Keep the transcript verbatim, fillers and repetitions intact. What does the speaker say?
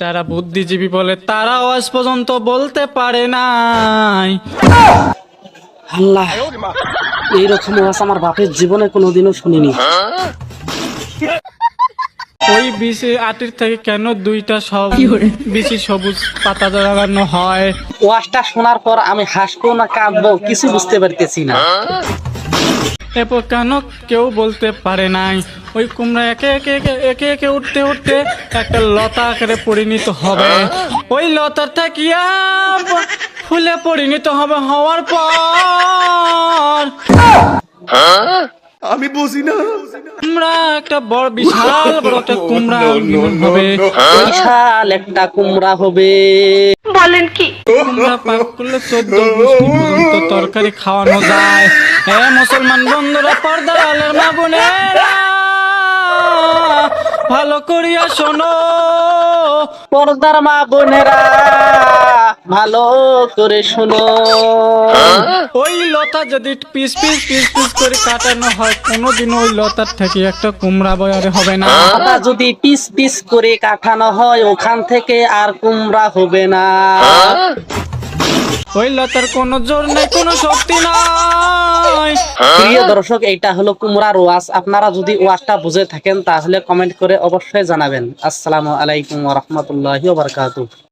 যারা বুদ্ধিজীবী বলে তারাও আজ পর্যন্ত বলতে পারে নাই। আল্লাহ, এইরকম ওয়াজ আমার বাপের জীবনে কোনোদিনও শুনিনি। ওই বিশি আটির থেকে কেন দুইটা সব বেশি সবুজ পাতা লাগানো হয়? ওয়াজটা শোনার পর আমি হাসবো না কাঁদবো কিছু বুঝতে পারতেছি না। এরপর কেন কেউ বলতে পারে নাই ওই কুমড়া একে একে একে একে একে উঠতে উঠতে একটা লতা আকারে পরিণত হবে, ওই লতার থাকিয়া ফুলে পরিণত হবে, হওয়ার পর আমি বুঝি না। কুমড়া একটা বড় বিশাল বড় একটা কুমড়া নির্মাণ হবে। বিশাল একটা কুমড়া হবে। কুমড়া পাক করলে চোদ্দ গোষ্ঠী পর্যন্ত তরকারি খাওয়ানো যায়। এ মুসলমান বন্ধুরা, পর্দার আলের মা বোনেরা, ভালো করিয়া শোনো। পর্দার মা বোনেরা ভালো করে শোনো। ওই লতা যদি পিস পিস পিস পিস করে কাটানো হয়, কোনোদিন ওই লতার থেকে একটা কুমড়া বয়ারে হবে না। লতা যদি পিস পিস করে কাটানো হয় ওখান থেকে আর কুমড়া হবে না। ওই লতার কোনো জোর নাই, কোনো শক্তি নাই। প্রিয় দর্শক, এইটা হলো কুমড়ার ওয়াজ। আপনারা যদি ওয়াজটা বুঝে থাকেন তাহলে কমেন্ট করে অবশ্যই জানাবেন। আসসালামু আলাইকুম ওয়া রাহমাতুল্লাহি ওয়া বারাকাতুহু।